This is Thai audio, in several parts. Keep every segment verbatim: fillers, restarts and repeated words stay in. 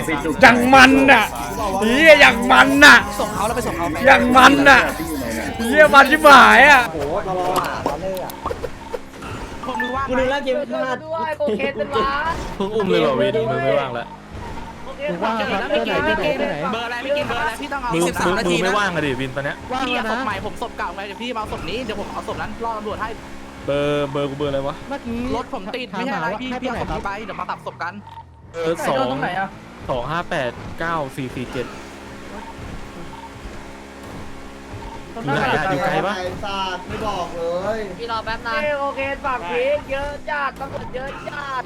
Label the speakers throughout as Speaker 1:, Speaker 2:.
Speaker 1: อย่างมันน่ะเฮียอย่างมันน่ะส่งเขาแล้วไปส่งเขาอย่างมันน่ะเฮียมันชิบหายอ่ะโอ้โหเราอ่ะเราเล่อะกูนึกว่าเกมพลาดด้วยโคเคนเป็นวะ
Speaker 2: เพิ่งอุ้มเลยเหรอวินมึงไม่ว่างแล้ว
Speaker 1: มึงว่างครับไม่กินไม่กิน
Speaker 3: เบอร์อะไรไม่กินเบอร์อะไรพี่ต้องเอา
Speaker 2: มึง
Speaker 3: สิบสามนาที
Speaker 2: ไม่ว่างอะดิวินตอนเนี้ย
Speaker 3: พี่ศพใหม่ผมศพเก่าไงเดี๋ยวพี่เอาศพนี้เดี๋ยวผมเอาศพนั้นรอตำรวจให้
Speaker 2: เบอร์เบอร์กูเบอร์อะไรวะ
Speaker 3: เมื่อกี้รถผมติดไม่ใช่อะไรพี่พี่เอาศพนี้ไปเดี๋ยวมาตัดศพกัน
Speaker 2: เออสองสองห้าแปดเก้าสี่สี่เจ็ดอยู่ไหนอะอยู่ไกลปะ
Speaker 4: ศาสตร์ไม่บอกเลย
Speaker 1: พี่รอแป๊บนึงโอเคฝากพีกเยอะจัดตำรวจเยอะจัด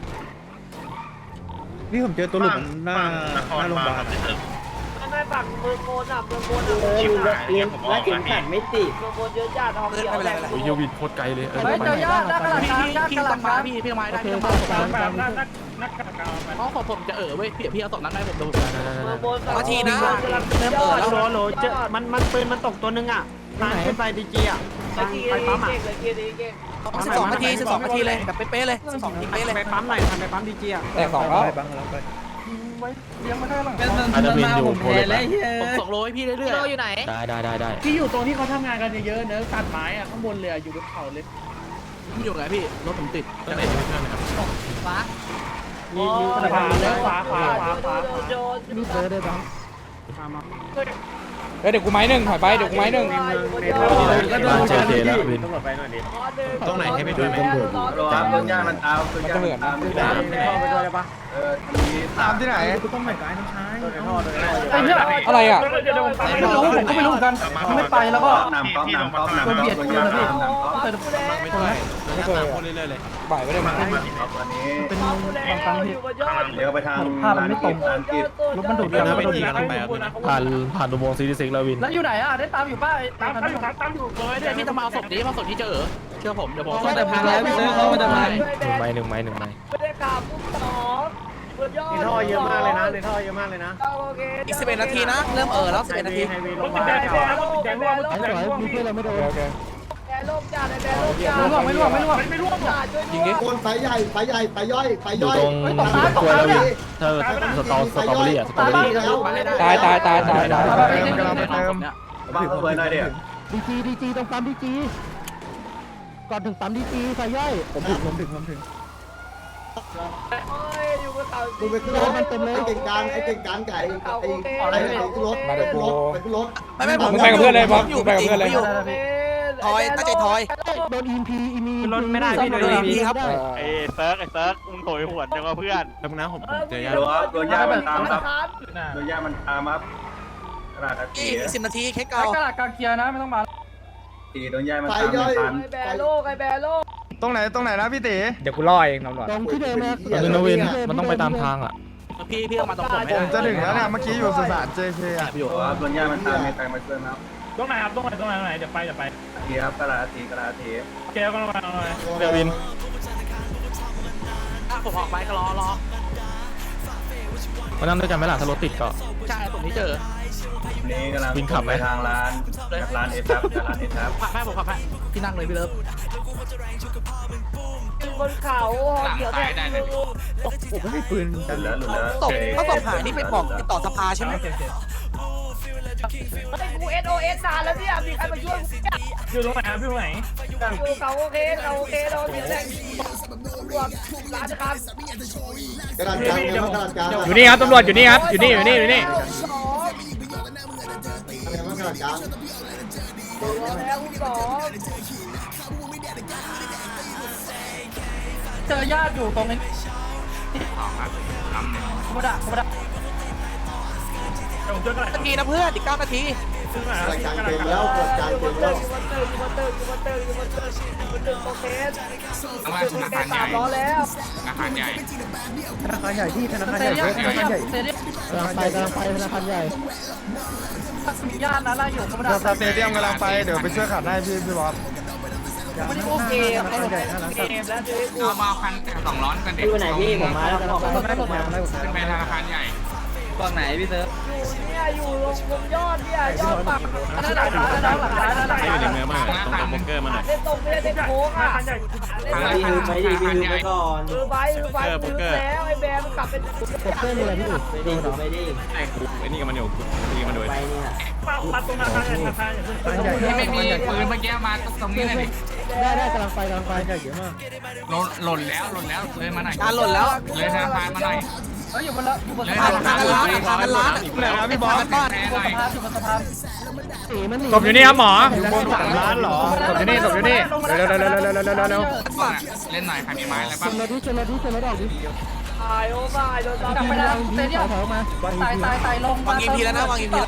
Speaker 5: นี่ผมเจอตัวหลุมหน้าหน้าโรงพยาบาล
Speaker 1: ไม่ฝั่งเมืองโมนอ่ะเมืองโมนอ่ะเมืองโมนเรียนและเข็มขัดไม่ติดเมืองโมนเยอะจัดทองเขียวอะไร
Speaker 2: โอ้ยวินโคตรไกลเลยเออ
Speaker 3: ไม่เจอยอดได้กระดาษพี่พี่ต้องมาพี่พี่ต้องมาได้พี่ต้องมาศพนั้นนักกระดาษเพราะศพผมจะเออเว้ยพี่พี่เอาศพนั้นได้ผมดูนาทีนะเริ่มเออแล้ว
Speaker 1: โหลโหลเจอมันมันปืนมันตกตัวนึงอ่ะทางขึ้นไปดีจีอ่ะทางไปปั๊มอ่ะ
Speaker 3: สิบสองนาทีสิบสองนาทีเลยแบบเป๊ะๆเลยสิบสองนาทีเป๊ะเลย
Speaker 1: ไปปั๊มหน่อยทำไปปั๊มดีจีอ่ะ
Speaker 5: แต่สองแล้ว
Speaker 1: ยังไม่ได้หรอก
Speaker 2: อาจจะวินอยู่โคเลย
Speaker 3: ผมส่งโลให้พี่เรื่อยๆ
Speaker 1: อยู่ไหน
Speaker 2: ได้ได้ได้ได้
Speaker 1: ที่อยู่ตรงที่เขาทำงานกันเยอะๆเนื้อตัดไม้อ่ะข้างบนเลยอยู่บนเขาเลย
Speaker 3: พี่อยู่ไหนพี่รถผมติด
Speaker 2: จะไหนจะไม่เพื่อนไหมครับ
Speaker 1: ฟ้ามีมีขวาแล้วขวาขวาขวาขวา
Speaker 5: มีเจอได้บ้าง
Speaker 1: เดี๋ยวกูไม้หนึ่งถอยไปเดี๋ยวกูไม้หนึ่ง
Speaker 2: เจอเจแล้ววิน
Speaker 5: ตรงไหนให้ไปดูไหม
Speaker 4: ตามต้นหญ้ามันตามต้นหญ้ามันตามที่ไหนไปด้วยได้ปะเออตามที่ไหน
Speaker 5: กูต้องไปกับไอ้น้องชาย
Speaker 1: อะไรอ่ะ
Speaker 3: ไม่รู้ผมก็ไม่รู้เหมือนกันไม่ไปแล้วก็
Speaker 4: นำก๊อฟนำก๊อฟนำก๊อฟต้นหญ้าตามนำก๊อฟ
Speaker 2: ไม่เคยไม่เคยพูดเรื่อยๆเลย
Speaker 1: บ่ายไม่ได้มา
Speaker 4: อันนี้
Speaker 5: เป็นความตั้งที่
Speaker 4: เดี๋ยวไปทาง
Speaker 5: ภาพมันไม่ตรงรถมันดูดแล้วมันดูด
Speaker 2: ผ่านผ่านดูโมซีดีซิกแล้ววิน
Speaker 3: แล้วอยู่ไหนอ่ะได้ตามอยู่ป้าตามตามอยู่ตามอยู่เลยเนี่ยพี่จะมาศพนี้มาศพที่เจอเชื่อผมเดี๋ยวผม
Speaker 5: ต้องแต่พังแล้วพี่เซิร์ฟเขาจะมา
Speaker 2: หนึ่งไม้หนึ่งไม้หนึ่งไม้
Speaker 1: ไม่ได้ข่าวปุ๊บสอง
Speaker 5: ในท่อเยอะมากเลยนะในท่อเยอะมากเลยนะ
Speaker 3: อีกสิบเอ็ดนาทีนะเริ่มเออแล้วสิบเอ็ดนาที
Speaker 1: รถติดแดงแดงรถติดแดงร่วงรถติดแดงร่วง
Speaker 5: มีเพื่อนเราไม่โดน
Speaker 1: แดงร่วงจ้าแดงร่วงจ้าไม่ร่วงไม่ร่วงไม่ร่วงไม่ร่วงจ้าช่วยด้วย
Speaker 4: คนไฟใหญ่ไฟใหญ่ไฟย่อยไฟ
Speaker 2: อยู่
Speaker 4: ย่อย
Speaker 2: ตรงตัวแล้ววินเธอสตอสตรอเบอรี่อะสตรอเบอรี่
Speaker 1: ตายตายตายตายตาย
Speaker 4: บ้าเปิดหน่อยเดี๋ยว
Speaker 5: ดีจีดีจีตรงปั๊มดีจีก่อนถึงปั๊มดีจีไฟย่อยผมถึงผมถึงผมถึง
Speaker 4: กูไปขึ้นรถมันเต็มเลยไอ้เก่งการไอ้เก่งการไก่ไอ้อะไรไอ้ขึ้นรถไปขึ้นรถไปขึ้นรถ
Speaker 3: ไม่ไม่ผม
Speaker 1: ไปกับเพื่อนเลยป๊อปไปกับเพื่อนเลย
Speaker 3: ทอยตั้งใจทอย
Speaker 5: โดนอินพีอิมี
Speaker 1: รถไม่ได้พี่โดนอินพีครับ
Speaker 6: ไอ้เซิร์กไอ้เซิร์กมึงโถยหวนจังว่าเพื่อน
Speaker 2: แล้วนะผมเจอยา
Speaker 4: โดนยามันตามครับโดนยามันตามครับกระดาษ
Speaker 3: อีกสิบนาทีเค้กเก่าก
Speaker 1: ระดาษกางเกียร์นะไม่ต้องมา
Speaker 4: ตีโดนยามันตามทัน
Speaker 1: ไอแบโลกไอแบโลก
Speaker 5: ตรงไหนตรงไหนนะพี่ตี
Speaker 1: เดี๋ยวกูล่อเองตำรวจ
Speaker 5: ตรงที่เดิมนะ
Speaker 2: ตรงนวินมันต้องไปตามทางอ่ะ
Speaker 3: พี่พี่เอามาตรงผม
Speaker 5: ผมจะถึงแล้วเนี่ยเมื่อกี้อยู่สุสานเจเคอ่ะ
Speaker 4: อยู่ครับโดนยามันตามมีใครมาช่วยครับ
Speaker 1: ตรงไหนครับตรงไหนตรงไหนตรงไหนเดี๋ยวไปเดี๋ยวไป
Speaker 4: ทีครับกระดาษทีกระดาษที
Speaker 1: แกก็ลงมาลงมา
Speaker 2: เดี๋ยววิน
Speaker 3: ผมออกไปก็รอรอ
Speaker 2: มานั่งด้วยกันไหมล่ะถ้ารถติดก็
Speaker 3: ใช่ผมที่เจอ
Speaker 4: นี่กำลังวิ่งขับไปทางร้านร้านเอทับร้านเอทับ
Speaker 3: ขับให้ผมขับให้พี่นั่งเลยพี่เลิฟ
Speaker 1: บนเขาเดี๋ยวได้ได้เลย
Speaker 5: ผมไม่มีปืน
Speaker 4: หลุดแล้วหลุดแล้ว
Speaker 3: ตบถ้าตบหายนี่ไปบอกติดต่อสภาใช่ไหม
Speaker 1: กูเอสโอเอสนานแล้วเนี่ยมีใครมาช่วยอยู่ตรงไหนครับอยู่ตรงไหนอยู่เขาโอเคเขาโอเคเราเดี๋ยวแรงตำรวจร้านนะครับ
Speaker 4: กระดาษกลางกระดาษกลาง
Speaker 1: อยู่นี่ครับตำรวจอยู่นี่ครับอยู่นี่อยู่นี่อยู่นี่
Speaker 4: กระดาษกลาง
Speaker 1: แล้วสอง
Speaker 3: เจอญาติอยู่ตรงนี้ธรรมดาธรรมดานาทีนะเพื่อนอีกเก้านาที
Speaker 4: กระจายเต็มแล้วกระจายเต็มแล้ว
Speaker 1: ธนาคารใหญ่ล้อแล้ว
Speaker 6: ธนาคารใหญ่
Speaker 5: ธนาคารใหญ่ที่ธนาคารใหญ่ธนาคารใหญ่กำลังไปกำลังไปธนาคารใหญ่
Speaker 3: ญาตินะไล่อยู่ธรรมดา
Speaker 5: สเตเดียมกำลังไปเดี๋ยวไปช่วยขัดให้พี่พี่บอส
Speaker 3: ไม่ได้โอเคเขาใหญ่น่ารัก
Speaker 6: เอามาพันสองร้อนกันเด็ก
Speaker 1: อยู่ไหนพี่ผมมาแล้วผมมาแล้วผมมาแล้ว
Speaker 6: ขึ้นไปธนาคารใหญ่
Speaker 1: ฝั่งไหนพี่เซิร์ฟอยู่เนี่ยอยู่ตรงยอดเนี่ยยอดฝั่งนั่นหลังร้านนั่นหลังร้านนั่นหลังร้าน
Speaker 2: อยู่ในเมืองมากตรงตรงโบเกอร์มาหน่อย
Speaker 1: เล่นตรงไม่ได้เล่นโค้งอ่ะ
Speaker 6: ไปไปไปก่อน
Speaker 1: คือไปคือไปคือแล้วไอ้แบมขับ
Speaker 5: เพื่อนเลยพี่ไม่ดีไม่ดี
Speaker 2: ไอ้กูไอ้นี่กับมันอยู่ตีมันด้วย
Speaker 5: ไปเนี่ย
Speaker 6: ที่ไม่มีปืนเมื่อกี้มาตรงนี้เลยดิ
Speaker 5: ได้ได้กำลังไปกำลังไปเยอะมาก
Speaker 6: หล่นหล่นแล้วหล่นแล้วเลยมาหน่อย
Speaker 3: การหล่นแล้ว
Speaker 6: เลยธนาคารมาหน่อย
Speaker 3: เฮ้ยอยู่บนละอยู่บน
Speaker 6: เลย
Speaker 3: สะ
Speaker 6: ธ
Speaker 3: พาน
Speaker 6: นาคาร
Speaker 3: ทางกันร้านทางกันร้าน
Speaker 2: ไหนนะพี่บอส
Speaker 3: บ้าน
Speaker 6: แพ้
Speaker 3: บ
Speaker 6: ห
Speaker 3: น
Speaker 6: น่อย
Speaker 3: สะพานอยู่บนสะพาน
Speaker 5: สีมันหนี
Speaker 1: ศพอยู่นี่ครับหมอ
Speaker 2: อยู่บนสามล้านเหรอ
Speaker 1: ศพอยู่นี่ศพอยู่นี่เร็วเร็วเร็วเร็วเร็วเร็วเร็วเร็ว
Speaker 6: เล่นหน่อยใครมีไม้อะไร
Speaker 5: ช
Speaker 6: บ้าง
Speaker 5: นรถดิชนรถดิชนรถออกดิ
Speaker 3: ตายโอ้ตายโดนจับไปแล้วเตะเนี่ย
Speaker 5: ถอยมา
Speaker 3: ตายตายตายลงวางอีพีแล้วนะวางอีพีแล้ว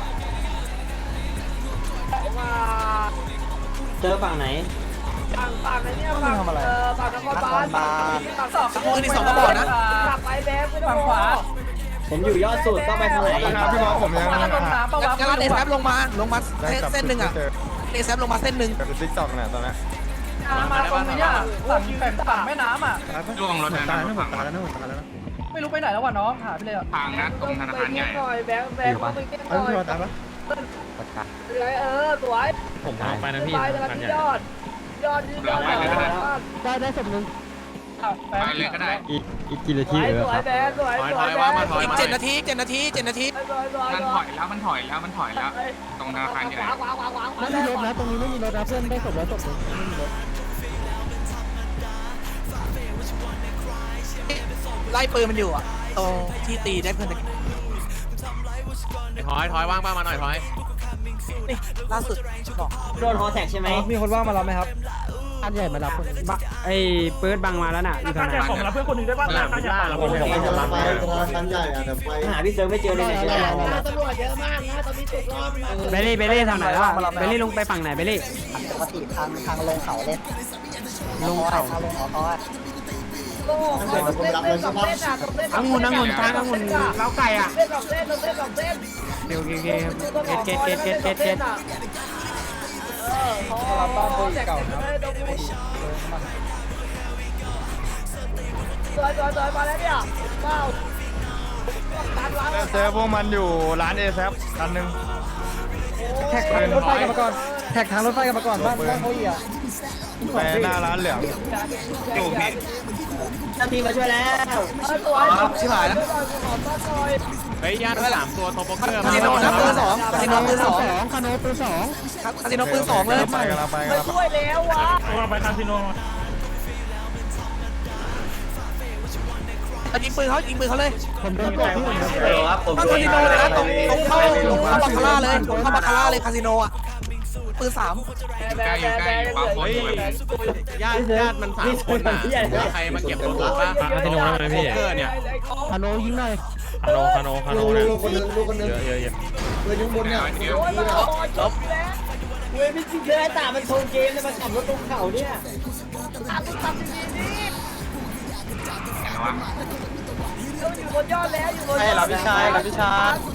Speaker 5: เจอฝั่งไหน
Speaker 3: ฝั่งฝั่งไอ้เนี่ยฝั่งเออฝั่งนครบาลฝั่งสองมือที่สองก็บอกนะขับไปแบงค์ไม่ต้องขวา
Speaker 5: ผมอยู่ยอดสุดต้องไปทางไหน
Speaker 2: พี่บอสผมยัง
Speaker 3: ลงน้ำปะวะ
Speaker 7: งั้นเอแซฟลงมาลงมาเส้นหนึ่งอ่ะเอแซฟลงมาเส้นหนึ่ง
Speaker 2: กับติ๊กต็อกเนี่ยตอนนี้
Speaker 3: มาตรงนี้อ่ะฝั่งฝั่งฝั่งแม่น้ำอ่ะ
Speaker 6: ล่วงรถธนาคารพัง
Speaker 2: ตายแล้วนะผมตายแล้วนะ
Speaker 3: ไม่รู้ไปไหนแล้ววะน้องหาไปเลยอ่ะ
Speaker 6: พังนะตรงธนาคารใหญ่
Speaker 3: แบงค์แบงค์ไปเก็บห
Speaker 2: เอ้ย
Speaker 3: น่อย
Speaker 2: พี่บอสตายปะ
Speaker 3: เออสวย
Speaker 2: ผมออกไปนะพี่
Speaker 3: ไปแต่ละที่ยอดยอดยอด
Speaker 5: ได้ได้ศพหนึ่ง
Speaker 6: ไปเลยก็ได้
Speaker 2: อีกอีกกี่นา
Speaker 3: ส
Speaker 2: ที
Speaker 3: วย
Speaker 2: เออ
Speaker 3: สวยแบงค์สวยสวยแบงค์
Speaker 7: อีกเจ็ดนาทีเจ็ดนาทีเจ็ดนาที
Speaker 3: สวยสวย
Speaker 6: มันถอยแล้วมันถอยแล้วมันถอยแล้ว ตรงธนาคารใหญ่
Speaker 3: ขวาขวาขวาขวา
Speaker 5: ไม่มีรถนะตรงนี้ไม่มีรถนะเพื่อนได้ศพแล้วศพหนึ่งไม่มีรถ
Speaker 7: ไล่ปืนมันอยู่อ่ะตรงที่ตีได้เพื่อน
Speaker 2: ถอยถอยว่างบ้างมาหน่อยถอย
Speaker 7: นี่ล่าสุดบอก
Speaker 5: โดนฮอแท็กใช่ไหม
Speaker 1: มีคนว่างมารับไหมครับ
Speaker 5: อันใหญ่มารับคน
Speaker 1: ไอ้เปิดบังมาแล้วน่ะอยู่ทางไหน
Speaker 6: ของเราเพื่อนคนนึงได้ป่ะ
Speaker 2: หน้าพิล่าเรา
Speaker 4: โอ้
Speaker 2: ไม่
Speaker 4: โห
Speaker 2: ได้
Speaker 4: กำลังไปธนาคารใหญ่อะเดี๋ยวไป
Speaker 5: หาพี่เซิร์ฟไม่เจอเลยเนี่ย
Speaker 3: ตำรวจเยอะมากนะตอนนี้ติดรอบมา
Speaker 1: เบลลี่เบลลี่ทางไหนวะเบลลี่ลงไปฝั่งไหนเบลลี่
Speaker 5: ปกติทางทางลงเขาเลยลงเขาทางลงเขาเขา
Speaker 3: โอ้โหเล่นเล่นสองเล่นอ่ะสองเล่น
Speaker 1: องุ่นองุ่นทางองุ่นเล้าไก่อ่ะ
Speaker 3: เล่นสองเล่นสองเล่นสองเล่น
Speaker 1: เดี๋ยวเกเกเกเกเกเกเกเก
Speaker 3: เออเขาบ้านตัวเก่าครับสวยสวยสวยมาแล้วเนี่ยว้าวตัดล้าง
Speaker 2: เจอพวกมันอยู่ร้านเอแซฟคันหนึ่ง
Speaker 1: แท็กทางรถไฟกันมาก่อนแท็กทางรถไฟกันมาก่อนบ้านบ้านเขาอีกอ่ะ
Speaker 2: ไปหน้าร้านเหลือง
Speaker 6: อยู่พี่
Speaker 5: เจ้าทีมาช่วยแล้ว
Speaker 3: สวย
Speaker 7: ชิบหายแล้ว
Speaker 2: เฮ้ยย่านสามตัวโทโปเกอร์
Speaker 7: คาสิโนนะปืนสองคาสิโนปืนสอง
Speaker 5: คาโนปืนสอง
Speaker 7: คาสิโนปืนสองเลย
Speaker 2: ไปกันแล้วไปกัน
Speaker 3: ไม่
Speaker 2: แล้ว
Speaker 3: ช่วยแล้ววะ
Speaker 7: ยิงปืนเขายิงปืนเขาเลย
Speaker 5: ผมโดนกดที่ผม
Speaker 7: ต้องคาสิโนเลยนะตรงตรงเข้าตรงเข้าบาคาร่าเลยตรงเข้าบาคาร่าเลยคาสิโนอ่ะปืนสาม
Speaker 6: ใกล้อยู่ใกล้อยู่ปั๊มคนอยู่
Speaker 2: ญาติญาติมันสามคนน่ะใครมาเก็บรถหรือป่ะคาสิโนแล้วไหมพี่เกอร์เนี่ย
Speaker 5: คาโนยิงหน่อย
Speaker 2: คาโนคาโนคาโน
Speaker 4: ลูก
Speaker 2: เนี่ย
Speaker 4: ลูกคนนึงลูกคนนึง
Speaker 2: เยอะเยอะเยอะ
Speaker 4: เลยยุ่งบนเนี่ย
Speaker 6: เดี๋ยว
Speaker 3: โอ้ยมาบอลจบแล้ว
Speaker 5: เว้ยไม่จริงเลยตามันโชว์เกมเลยมันขับรถลงเขาเนี่ย
Speaker 3: ตัดตัดดีๆนี่
Speaker 6: ไหนวะ
Speaker 3: เราอยู่บนยอดแล้วอยู่บนยอด
Speaker 2: ใช่เหรอพี่ชายเหรอพี่ชาย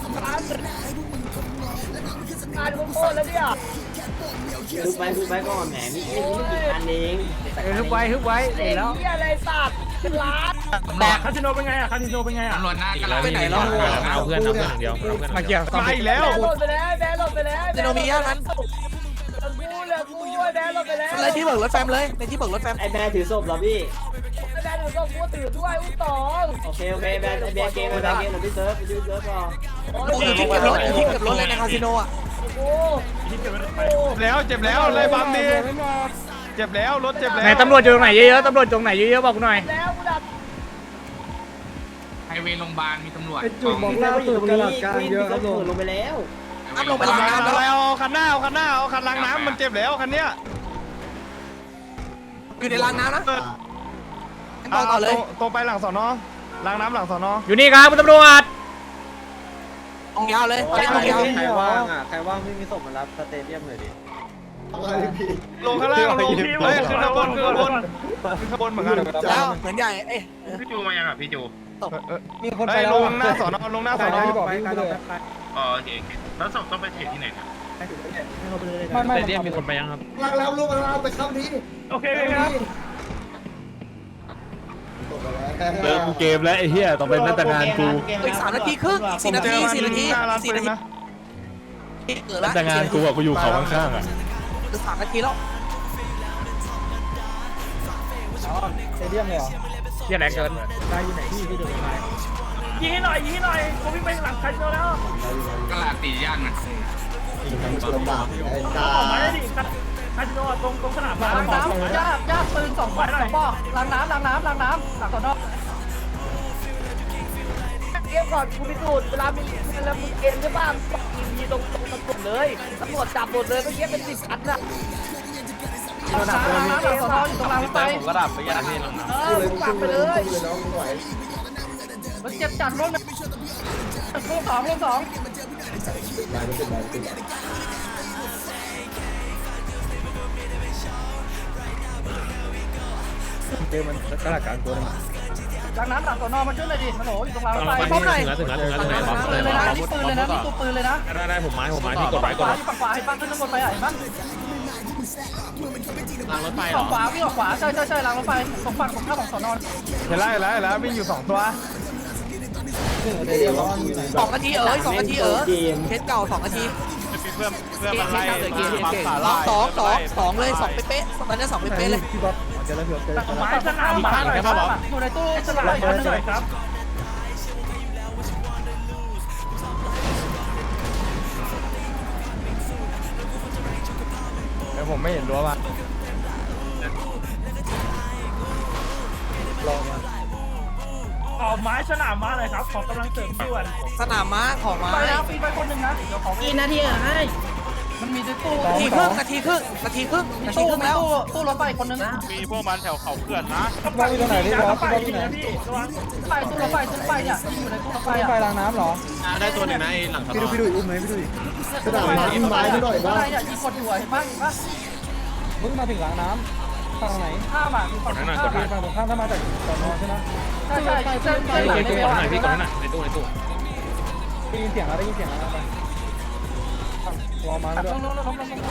Speaker 3: การโคตรแล้วเนี่ย
Speaker 5: ฮึบไปฮึบไปก่อนแหมมีไม่กี่คันเอง
Speaker 1: ฮึบไว้ฮึบไว้
Speaker 3: เด็ก
Speaker 1: แล้ว
Speaker 3: ที่อะไรสัตว์เป็นล้าน
Speaker 6: ตำรวจคาสิโนเป็นไงอะคาสิโนเป็นไงอะตำรวจหน้ากระดาษ
Speaker 7: ไปไหนแล้ว
Speaker 2: เอาเพื่อนเอาเพื่อนเดียว
Speaker 1: มาเกี่ยว
Speaker 2: มาอีกแล้ว
Speaker 3: แบงค์หล่นไปแล้วแบงค์หล่นไปแล้ว
Speaker 7: คาสิโนมีย่านนั้น
Speaker 3: กูเลยกูแบงค์หล่นไปแล้ว
Speaker 7: ในที่เบิกรถแฟมเลยในที่เบิกรถแฟม
Speaker 5: ไอแบร์ถือศพเหรอพี่
Speaker 3: แบงค์หล่นก็กูถือด้วยอุ้งตอง
Speaker 5: โอเคโอเคแบร์ไอแบร์เกมไอแบร์เกมหรือพี่เซิร์ฟไปดูเซิร์ฟก่อน
Speaker 7: อยู่ที่เก็บรถอยู่ที่เก็บรถเลยในคาสิโนอ่ะ
Speaker 3: กู
Speaker 2: แล้วเจ็บแล้วเลยบัมดีเจ็บแล้วรถเจ็บแล้ว
Speaker 1: ไหนตำรวจอยู่ตรงไหนเยอะๆตำรวจตรงไหนเยอะๆบอกหน่อย
Speaker 3: แล้วกูดับ
Speaker 6: ไฮเวย์โรงพยาบาลมีตำรวจ
Speaker 5: พี่เซิร์ฟอยู่ตรงนี้พี่เซิร์ฟลงไปแล้ว
Speaker 7: น้ำลงไปล้างน้ำ
Speaker 2: อะไร
Speaker 7: แล้ว
Speaker 2: เอาคันหน้าเอาคันหน้าเอาคันล้างน้ำมันเจ็บแล้วคันเนี้ย
Speaker 7: อยู่ในล้างน้ำนะ
Speaker 2: เอา
Speaker 7: ต่อเลย
Speaker 2: ตรงไปหลังสอนอล้างน้ำหลังสอนอ
Speaker 1: อยู่นี่ครับคุณตำรวจ
Speaker 7: ตรงยาวเลยตรงยาว
Speaker 5: ใครว่างอ่ะใครว่างพี่มีศพมารับสเตเดียมหน่อยดิ
Speaker 4: อะไรพี่
Speaker 2: ลงข้างล่างลงเฮ้ยขึ้นข้างบนขึ้นข้างบนขึ้นข้างบนเหมือนกัน
Speaker 7: แล้วเหมือนใหญ่เอ๊ะ
Speaker 6: พี่จูมายังอ่ะพี่จู
Speaker 1: มีคน
Speaker 2: เฮ้
Speaker 1: ไป
Speaker 2: ย
Speaker 1: แล้
Speaker 2: ล
Speaker 1: ว
Speaker 2: งหน้าสอนอลงหน้าสอนอ
Speaker 1: บอกวิ่งไปเลย
Speaker 6: อ๋อโอเคแล้วศพต้องไปเทรดที่ไหนครับ
Speaker 1: ไม่ไม่เรียกมีคนไปยังครับ
Speaker 4: ลังแล้วลูกมันเอาไปเข้านี้
Speaker 6: โอเคครับ
Speaker 2: เริ่มเกมแล้วไอ้เหี้ยต้องเป็นมาตรการกู
Speaker 7: อีกสามนาทีครึ่งสี่นาทีสี่นาที
Speaker 2: หน้าร้าน
Speaker 7: สี่
Speaker 2: ปื
Speaker 7: นาน ที
Speaker 2: นะ
Speaker 7: เกิดแล้ว
Speaker 2: แต่งานกูอะกูอยู่เขาข้างๆอ่ะ
Speaker 7: สามนาทีแล้ว
Speaker 1: เที่ยไหนเกินได้อยู่ไหนพี่พี่ดูไป
Speaker 3: ยิงให้หน่อยยิงให้หน่อยผมวิ่งไปหลังคาสิโนแล้ว
Speaker 6: กระลาตีย่างนะ
Speaker 4: ลำบากไอ้ตา
Speaker 3: ออกมาได้ดิคาสิโนตรงตรงสนามล้างน้ำยากยากปืนสองบอกสองบอกล้างน้ำล้างน้ำล้างน้ำหลังสอนอ
Speaker 8: เกมก่อนคุณพิสูจน์เวลามีเวลามีเกมใช่ป่ะยิงยิงตรงตรงตำรวจเลยตำรวจจับหมดเลยเมื่อกี้เป็นสิบคันน่ะ
Speaker 3: ล้างน้ำล้างน้ำหลังสอนออยู่ตรงรางรถไฟ
Speaker 2: ผมก็ดับไปยาที่หลัง
Speaker 8: เออมึงปักไปเลย
Speaker 4: น้องไหว
Speaker 3: มันเจ็บจัดรถนะลูกสองลูกสอง
Speaker 4: ได้ไม่เป็นไรไม่เป็นไร
Speaker 1: เจอมันกระดาษกลางตัวนึง
Speaker 3: ล้างน้ำหลังสอนอมาช่วยหน่อยดิฮัลโหลอยู่ตรงรางรถไฟ
Speaker 2: ถึงแล้วถึงแล้วถึงแล้วถึงแล้ว
Speaker 3: ปืนเลยนะนี่ปืนเลยนะนี่ตัวปืนเลยนะ
Speaker 2: ได้ได้ผมไม้ผมไม้ที่กดไว้ก
Speaker 3: ข
Speaker 2: ด
Speaker 3: วา
Speaker 2: ไว้
Speaker 3: ที่ฝั่งขวาให้ปั้งขึ้นข้างบนไปอ่ะเห็นมั้ย
Speaker 2: รางรถไฟเหร
Speaker 3: ฝั่
Speaker 2: อง
Speaker 3: ขวาวิ่งออกขวาใช่ใช่ใช่รางรถไฟตรงฝั่งตรงข้ามของสอนอ
Speaker 1: เห็นแล้วเห็นแล้วเห็นแล้ววิ่งอยู่สองตัว
Speaker 7: สองนาทีเอ๋ยสองนาทีเอ๋ยเคสเก่าสองนาที
Speaker 2: เพื่อนเพื่อน
Speaker 7: เก่
Speaker 2: มาง
Speaker 7: เค
Speaker 2: ไล่
Speaker 7: สเก่งเก่งเก่งสองสองสองเลยสองเป๊ะๆตอนนี้สองเป๊ะๆเลย
Speaker 1: พี่บ๊อบเจอแล้วพี่บ๊อบเจอแล้ว
Speaker 3: ไม้สนามมาหน่อยครับอยู่ในตู้สนามอีกคันนึงหน่อยครับ
Speaker 1: เดี๋ยวผมไม่เห็นรั้วว่ะลองมา
Speaker 3: ออกไม้สนามมาหน่อยครับขอกำลังเสริมด่วน
Speaker 7: สนามม้าของม้า
Speaker 3: ไปแล้วปีไปคนหนึ่งนะเดี๋ยวขอ
Speaker 8: กี่นาทีอ่ะให้
Speaker 3: มันมีในตู้
Speaker 7: นาทีครึ่งนาทีครึ่งนาทีครึ่งนาที
Speaker 3: ตู้
Speaker 7: ครึ่งแล้ว
Speaker 3: ตู้ตู้รถไฟคนนึงนะ
Speaker 2: มีพวกมันแถวเขาเขื่อนนะ
Speaker 1: บ๊อบอยู่ตรงไหนพี่บ๊อบ
Speaker 3: ไป
Speaker 1: บ๊อบอยู่ไหน
Speaker 3: พี่ระวังไปตู้รถไฟตู้รถไฟเนี่ยอยู่ในตู้รถไฟ
Speaker 1: ไฟ
Speaker 3: อ่ะ
Speaker 1: รางน้ำเหรอ
Speaker 2: ได้ตัวหนึ่งนะไอ้หลัง
Speaker 1: พี่ดูพี่ดูอุ้มไหมพี่ดูดิ
Speaker 4: กระดาษไม้ไม้ไม่หน่อย
Speaker 3: อะ
Speaker 4: บ้าง
Speaker 3: ไรเนี่ยยิงกดอยู่เห็นป่ะเห็นป่ะ
Speaker 1: มึงมาถึงรางน้ำฝั่งไหน
Speaker 3: ข้ามอ่ะฝั่งข้าม
Speaker 1: ฝั่งตรงข้ามถ้ามาจากสอนอใช่ไหม
Speaker 3: ใช่ใช่ใช่ใช่ใช่หลังในเบล
Speaker 2: หน่อยพี่กดหน่อยในตู้ในตู้
Speaker 1: ได้ยินเสียงแล้วได้ยินเสียงแล้วไปรอมา
Speaker 3: ล
Speaker 1: ด้วย
Speaker 3: งลงลงลงลง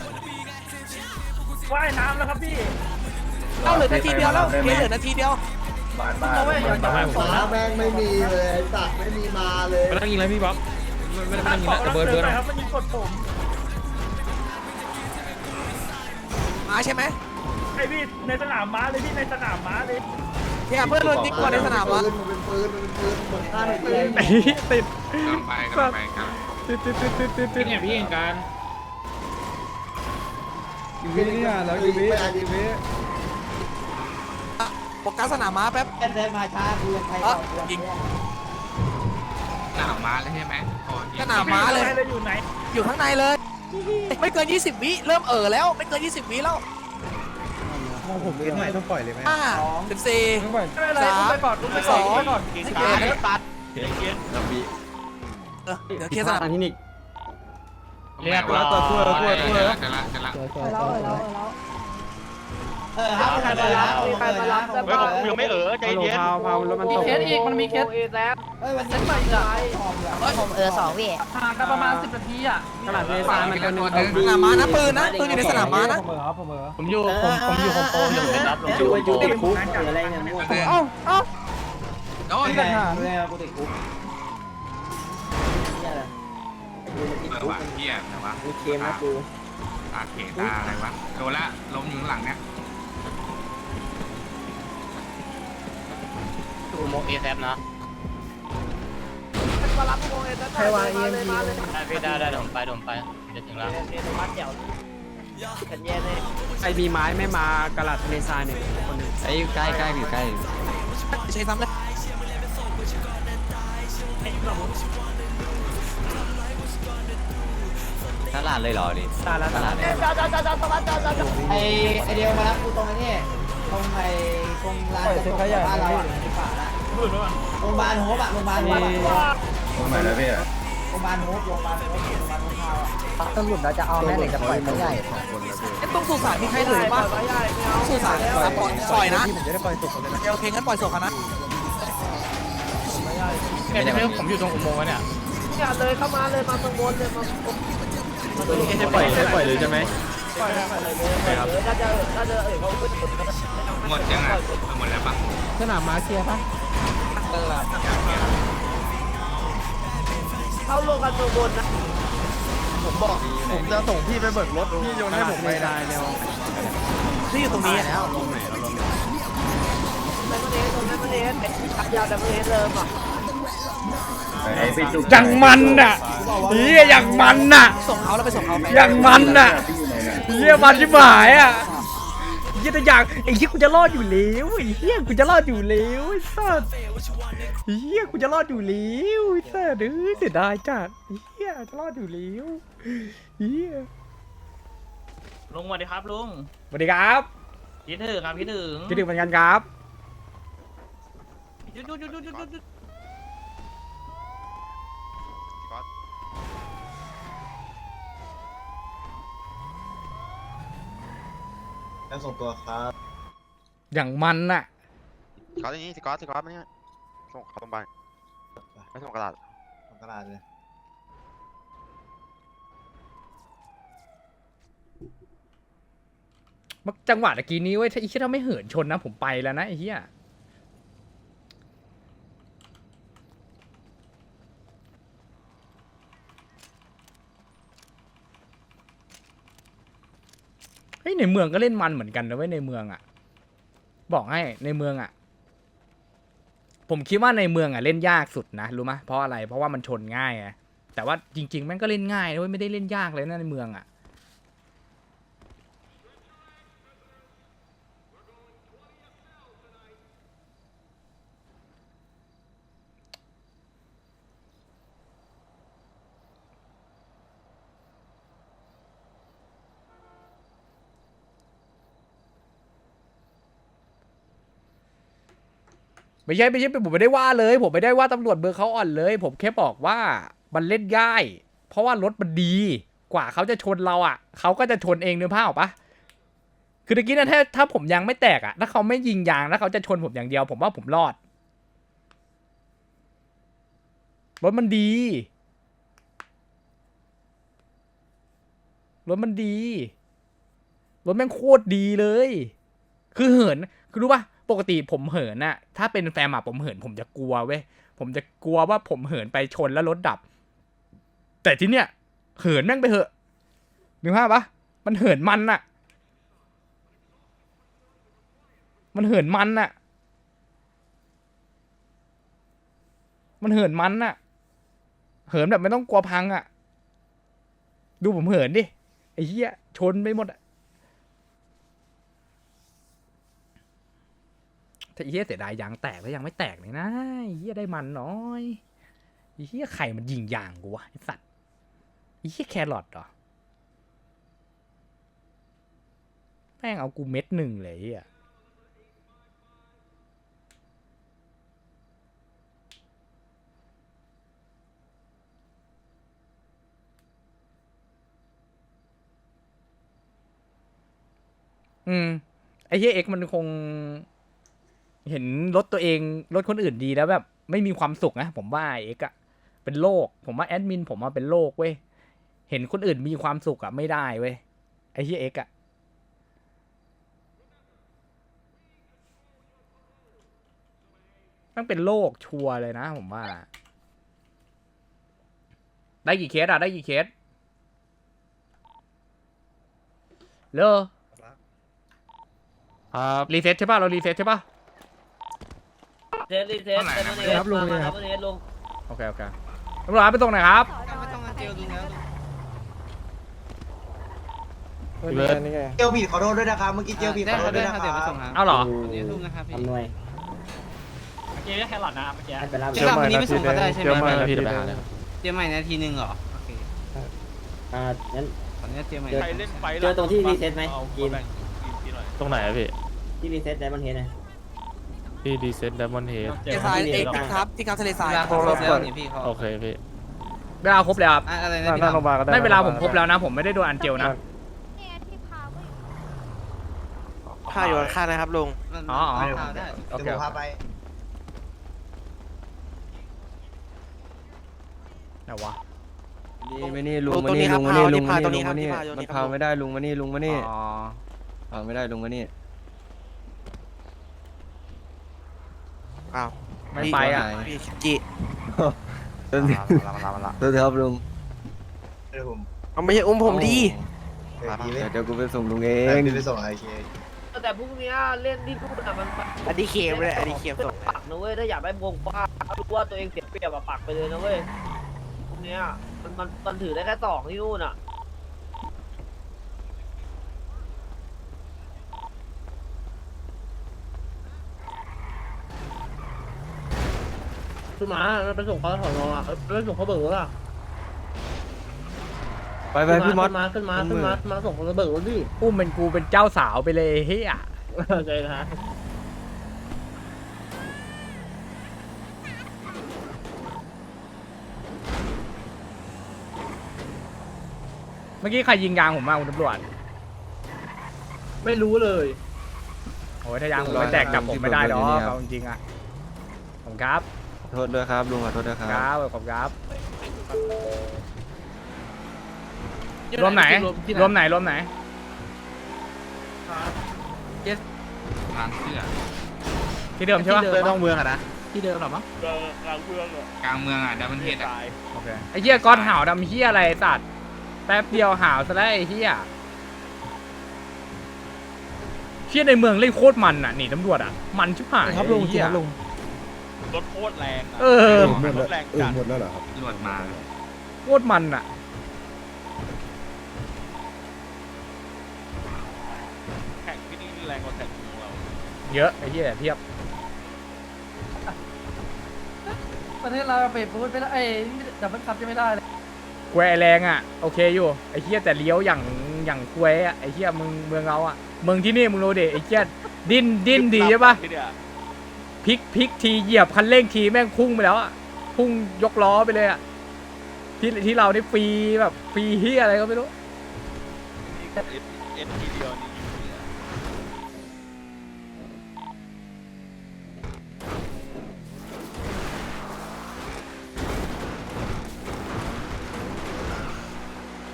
Speaker 3: ว่ายน้ำแล้วครับพี่
Speaker 7: เข้าเหลือนาทีเดียวแล้วเคสเหลือนาทีเดียว
Speaker 3: เราไม่อยากจะสอน
Speaker 4: ฟ้าแม่งไม่มีเลยไอ้สัตว์ไม่มีมาเลย
Speaker 2: ไม่ต้องยิงเลยพี่บ๊อบไม่ได้ไม่
Speaker 3: ถ้า
Speaker 2: ต้องยิง
Speaker 3: ขอ
Speaker 2: แล้ว
Speaker 3: กำลัง
Speaker 2: เบิร์ด
Speaker 3: เสริ
Speaker 2: เบิร์ด
Speaker 3: มครับมันยิงกดผม
Speaker 7: ม้าใช่ไหม
Speaker 3: ไอพี่ในสนามม้าเลยพี่ในสนามม้าเลย
Speaker 7: เนี่ยเพื่อนโดนยิงกว่าในสนามม้า
Speaker 4: มันเป็นปืนมันเป็นปืนเหมือนฆ่าในปืน
Speaker 1: ติด
Speaker 6: กำลังไปกำลังไปกำลัง
Speaker 1: ติดติดติดติดติดติด
Speaker 2: เนี่ยพี่เองการ
Speaker 1: อยู่วินี่อ่ะแล้วอยู่วิอยู่วิ
Speaker 7: โฟกัสสนามม้าแป๊บ
Speaker 8: เดินมาช้าคือใคร
Speaker 7: เออยิง
Speaker 6: หน้ามาแล้วใช่ไหมโอ้
Speaker 7: สนามม้าเลย
Speaker 3: อยู่ไหน
Speaker 7: อยู่ข้างในเลย ไม่เกินยี่สิบวิเริ่มเอ่อแล้วไม่เกินยี่สิบวิแล้ว
Speaker 1: มองผมเล่นใหม่ต้องปล่อยเลยไหม
Speaker 7: ห้าสิบสี่
Speaker 1: ต้องปล่อย
Speaker 3: ไม่เป็นไรอุ้มไปก่อนอุ้มไปก่อนอุ้มไปก่อน
Speaker 7: การตัด
Speaker 2: เกียร์เกียร์ลำบี
Speaker 7: เออเดี๋ยวเคลียร์สนาม
Speaker 1: ที่นี่
Speaker 6: เรียบร้อยตัวตัวตัวตัวจะละจะละ
Speaker 8: เราเราเราเออครับใครมารับมีใครมารับแต่
Speaker 2: เฮ้ยผมยังไม่เออใจเย็น
Speaker 1: พาวพาวแล้วมัน
Speaker 3: มี
Speaker 1: ตก
Speaker 3: เคสอีกมันมีเคส
Speaker 8: เอแซมเฮ้ยวัน
Speaker 3: เซ
Speaker 8: นี้
Speaker 3: ตใหม่อีกอ่ะ
Speaker 8: ผมเออสองพี่
Speaker 3: ห่างกันประมาณสิบนาทีอ่ะ
Speaker 1: ขนาดเลซ่ามันก็นึง
Speaker 7: สนามม้านะปืนนะปืนอยู่ในสนามม้านะ
Speaker 1: ผมเออครับผมเออ
Speaker 2: ผมอยู่ผมผมอยู่โฮมโปรอยู่เป็นรับผมอยู่โฮมโปร
Speaker 1: คุกอะไรเนี่ย
Speaker 3: เอ้าเอ้า
Speaker 6: โอ้ย
Speaker 1: ที่ปัญหา
Speaker 8: เลยกูติดคุกเนี่ยแหละ
Speaker 6: เออว่ะเฮียแต่ว่า
Speaker 8: มีเกมนะกู
Speaker 6: ตาเขตาอะไรวะโดนละล้มอยู่ข้างหลังเนี่ย
Speaker 2: ดูโมเอแซฟนะ
Speaker 8: มารับพวกเอ็นใครวางเอ็นมาเลย
Speaker 2: ได้พี่ได้ได้ผมไปผมไปจะถึงแล้ว
Speaker 8: เอ็นมัดเดี่ยวขันแย่เลย
Speaker 1: ใครมีไม้ไม่มากระดาษเลซ่าเนี่ยคนนึง
Speaker 2: ไอ้ใกล้ใกล้อยู่ใกล้
Speaker 7: ใช้ซ้ำเลย
Speaker 2: ตลาดเลยเหรอดิ
Speaker 1: ตาละตาละ
Speaker 8: จอดจอดจอดจอดจอดจอดจอดไอไอเดียวมารับกูตรงนี้ตรงไอตรงร้านตรงบ้านเราอ่ะที่ป่าละโรงพยาบาลโฮปอะโรงพยาบาลโฮปโรงพยาบาลโฮปโรงพยาบาลโฮปโรงพยาบาลโฮปโรงพยาบาลข้าวอ่ะตำรวจเราจะเอาแม่หรือจะปล่อยไม่ใหญ่
Speaker 7: ไอ้ตรงสุสานมีใครเหลือป่ะสุสานปล่อยปล่อยนะ
Speaker 1: ผมจะได้ปล่อยศพเลยนะ
Speaker 7: โอเคงั้นปล่อยศพกันนะ
Speaker 2: เนี่ยผมอยู่ตรงอุโมงค์เนี่ย
Speaker 8: อย่าเลยเข้ามาเลยมาตรงบนเลยมา
Speaker 2: จะปล่อยจะปล่อยเลยใช่ไหม
Speaker 8: ปล่อยไปเลยเลยน่าจะน่าจะเออเขาขึ้นสุด
Speaker 6: หมดยังอ่ะหมดแล้วปะ
Speaker 1: สนามม้าเคลียร์ปะ
Speaker 8: เข้าลงกันตรงบนนะ
Speaker 1: ผมบอกผมจะส่งพี่ไปเบิกรถพี่โยนให้ผมไปได้แล้ว
Speaker 7: ที่อยู่ตรงนี้แล้ว
Speaker 8: ไดมอนเฮดตรงไดมอนเฮดเป็นขับยาวไดมอนเฮดเริ่มอ่ะ
Speaker 1: อย่างมันน่ะเฮียอย่างมันน่ะ
Speaker 7: ส่งเขาแล้วไปส่งเขาไป
Speaker 1: อย่างมันน่ะเฮียมันชิบหายอ่ะเฮียแต่อย่างไอ้เฮียกูจะรอดอยู่แล้วไอ้เฮียกูจะรอดอยู่แล้วไอ้สัสเฮียกูจะรอดอยู่แล้วไอ้สัสเอ้ยเสียดายจัดเฮียจะรอดอยู่แล้วเฮีย
Speaker 3: ลุงสวัสดีครับลุง
Speaker 1: สวัสดีครับ
Speaker 3: คิดถึงครับคิดถึง
Speaker 1: คิดถึงเหมือนกันครับ
Speaker 3: หยุดหยุดหยุดหยุดหยุดหยุด
Speaker 4: แล้วส่งตัวครับ
Speaker 1: อย่างมันน่ะ
Speaker 2: ก๊อตอย่างนี้สิก๊อตสิก๊อตมาเนี่ยส่งเขาโรงพยาบาลไม่ส่งกระดาษ
Speaker 4: ส่งกระดาษเลย
Speaker 1: จังหวะตะกี้นี้เว้ยถ้าไอ้เหี้ยถ้าไม่เหินชนนะผมไปแล้วนะไอ้เหี้ยเฮ้ยในเมืองก็เล่นมันเหมือนกันนะเว้ยในเมืองอ่ะบอกให้ในเมืองอ่ะผมคิดว่าในเมืองอ่ะเล่นยากสุดนะรู้ไหมเพราะอะไรเพราะว่ามันชนง่ายไงแต่ว่าจริงๆแม่งก็เล่นง่ายนะเว้ยไม่ได้เล่นยากเลยนะในเมืองอ่ะไม่ใช่ไม่ใช่ผมไม่ได้ว่าเลยผมไม่ได้ว่าตำรวจเบอร์เขาอ่อนเลย ผมแค่บอกว่ามันเล่นง่ายเพราะว่ารถมันดีกว่าเขาจะชนเราอ่ะเขาก็จะชนเองนึกภาพออกปะคือตะกี้นะถ้าถ้าผมยางไม่แตกอ่ะถ้าเขาไม่ยิงยางแล้วเขาจะชนผมอย่างเดียวผมว่าผมรอดรถมันดีรถมันดีรถแม่งโคตรดีเลยคือเหินคือรู้ปะปกติผมเหินน่ะถ้าเป็นแฟมอะผมเหินผมจะกลัวเว้ยผมจะกลัวว่าผมเหินไปชนแล้วรถดับแต่ที่เนี้ยเหินแม่งไปเหอะนึกภาพปะมันเหินมันน่ะมันเหินมันน่ะมันเหินมันน่ะเหินแบบไม่ต้องกลัวพังอะดูผมเหินดิไอ้เหี้ยชนไปหมดอะถ้าไอ้เหี้ยเสียดายยางแตกแล้วยังไม่แตกเลยนะไอ้เหี้ยได้มันน้อยไอ้เหี้ยไข่มันยิงยางกูวะไอ้สัตว์ไอ้เหี้ยแครอทเหรอแม่งเอากูเม็ดหนึ่งเลยอ่ะอืมไอ้เหี้ยเอ็กมันคงเห็นรถตัวเองรถคนอื่นดีแล้วแบบไม่มีความสุขนะผมว่าเอ็กอะเป็นโรคผมว่าแอดมินผมว่าเป็นโรคเว้ยเห็นคนอื่นมีความสุขอะไม่ได้เว้ยไอ้เหี้ยเอ็กอะต้องเป็นโรคชัวร์เลยนะผมว่าได้กี่เคสอะได้กี่เคสเลอครับรีเซ็ตใช่ป่ะเรารีเซ็ตใช่ป่ะ
Speaker 6: เซฟดิเซฟเซฟดิ
Speaker 5: ครับลุงเลยครับ
Speaker 6: ลุง
Speaker 1: โอเคโอเคตำรวจไปตรงไหนครับ
Speaker 7: ไม่ต้องมาเจลลุงแล้ว
Speaker 5: เบิร์ดนี่ไง
Speaker 4: เจลผิดขอโทษด้วยนะครับเมื่อกี้เจลผิดขอโทษด้วยนะครับ
Speaker 1: เอาเหรอ
Speaker 7: ลุงนะครับพี่
Speaker 5: ทำหน่วย
Speaker 3: เมื่อกี้แค่หลอดนะเมื่อกี้
Speaker 5: ให้ไปรับ
Speaker 7: เจลวันนี้ไม่ส่งก็ได้ใช่ไหม
Speaker 5: เจลใหม่นาทีนึง
Speaker 7: เจลใหม่นาทีนึงเหรอโอเค
Speaker 5: อ่างั้น
Speaker 7: ตอนนี้เจลใหม่
Speaker 3: ใครเล่นไฟ
Speaker 5: เจอตรงที่รีเซ็ตไหมกิน
Speaker 9: ตรงไหนอะพี่
Speaker 5: ที่รีเซ็ตไดมอนด์เฮดนะ
Speaker 9: ที่ดีเซ็ตดัมมอนเฮด
Speaker 7: ทะเลทรายเอกครับที่ครับทะเลทรายแล้วนี่พี่เขา
Speaker 9: โอเคพี่
Speaker 1: เวลาครบแล้วครับ
Speaker 7: อะไร
Speaker 5: ห
Speaker 7: นะ
Speaker 5: น้า
Speaker 7: พี่
Speaker 5: หน้าโรงพยาบาลก็ได้
Speaker 1: ไม่เวลาผมครบแล้วนะ ผมไม่ได้โดนอันเจลนะ
Speaker 8: ผ้าอยู่ข้างนะครับลุง
Speaker 1: อ๋ออ๋อ
Speaker 7: ได้
Speaker 1: โอเค
Speaker 4: เดี๋ยวพาไป
Speaker 1: ไหนวะ
Speaker 5: นี่ไม่นี่ลุง
Speaker 8: ต
Speaker 5: มา
Speaker 8: รง
Speaker 5: นี่
Speaker 8: นี้ครั
Speaker 5: ลุ
Speaker 8: บ
Speaker 5: งมานี่
Speaker 8: พา
Speaker 5: ลุงมา
Speaker 8: ตร
Speaker 5: นี่
Speaker 8: ง
Speaker 5: ลุ
Speaker 8: นี้
Speaker 5: ง
Speaker 8: ครับ
Speaker 5: มานี่
Speaker 8: ที่พาอยู่
Speaker 5: มัน
Speaker 8: นี่ค
Speaker 5: พา
Speaker 8: รับ
Speaker 5: ไม่ได้ลุงมานี่ลุงมานี่
Speaker 1: อ๋อ
Speaker 5: พาไม่ได้ลุงมานี่
Speaker 8: อ้าว
Speaker 1: ไม่ไปอ่ะ
Speaker 8: พี่จิ
Speaker 5: ตัวเดียวตัวเดียวลุง
Speaker 4: เดี๋ยวผม
Speaker 8: เอาไม่ใช่อุ้มผมดี
Speaker 4: เดี๋ยวดีไหม
Speaker 5: เดี๋ยวกูไปส่งลุงเอ
Speaker 4: เอง
Speaker 5: ง
Speaker 4: ไปส่งไอเค
Speaker 10: แต่พรุ่งนี้เล่นที่นู่นอ่ะมัน
Speaker 7: อันนี้เค็มเลยอันนี้เค็มสุด
Speaker 10: ปักนะเว้ยถ้าอยากได้วงกว้างรู้ว่าตัวเองเสียเปรียบอะปักไปเลยนะเว้ยพรุ่งนี้มันมันมันถือได้แค่สองที่นู่นอ่ะ
Speaker 5: ขึ้นมาไปส่งเขาถอนรออ่ะไปส่งเขาเบิกรถอ่ะ
Speaker 7: ไปไปพี่มอส
Speaker 5: มาขึ้นมาขึ้นมาขึ้นมาส่งเขาเบิกรถดิ
Speaker 1: อุ้มเป็นกูเป็นเจ้าสาวไปเลยเฮีย
Speaker 5: ใจนะ
Speaker 1: เมื่อกี้ใครยิงยางผมมาคุณตำรวจ
Speaker 5: ไม่รู้เลย
Speaker 1: โอ้ยถ้ายางผมไม่แตกจับผมไม่ได้หรอกเอาจริงๆอ่ะผมครับ
Speaker 7: โทษด้วยครับลุงขอโทษด้วยค
Speaker 1: ครับ รับขอบคุณครับรวมไหนรวมไหนรวมไหน
Speaker 6: ร้านเสื้อ
Speaker 1: ที่เดิมใช่ปะ
Speaker 3: เลยต้องเมืองอะนะที่เดิมหรอมั้ง
Speaker 6: กลางเมืองอ่ะดับเบิลเฮดอ่ะ
Speaker 1: โอเคไอ้เหี้ยก้อนห่าวดำเหี้ยอะไรไอ้สัตว์แป๊บเดียวห่าวซะแล้วไอ้เหี้ยเหี้ยในเมืองเล่นโคตรมันอ่ะหนีตำรวจอ่ะมันชิบหายครับลุงเหี้ย
Speaker 2: รถโคตรแรง
Speaker 1: เออ
Speaker 2: รถแรงจัด
Speaker 4: หมดแล้วเหรอครับ
Speaker 6: ตำรวจมา
Speaker 1: โคตรมันอ่ะ
Speaker 2: แข่งที่นี่แรงกว่าแข่งของเรา
Speaker 1: เยอะไอ้เหี้ยเทียบ
Speaker 5: ประเทศเราเปิดพูดไม่ได้ไอ้ดับเบิลคัพจะไม่ได้เลย
Speaker 1: แควแรงอ่ะโอเคอยู่ไอ้เหี้ยแต่เลี้ยวอย่างอย่างแควอ่ะไอ้เหี้ยมึงเมืองเราอ่ะเมืองที่นี่มึงรู้ดิไอ้เหี้ยดิ้นดิ้นดีใช่ปะ
Speaker 2: ที่เนี่ย
Speaker 1: พลิกพลิกทีเหยียบคันเร่งทีแม่งพุ่งไปแล้วอ่ะพุ่งยกล้อไปเลยอ่ะที่ที่เราได้ฟรีแบบฟรีเหี้ยอะไรก็ไม่รู้
Speaker 2: เอ็นเอ็นทีเดียวนี่อยู่เนี่ย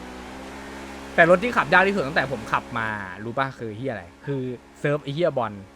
Speaker 1: แต่รถที่ขับยากที่สุดตั้งแต่ผมขับมารู้ป่ะคือเฮียอะไรคือเซิร์ฟไอเฮียบอล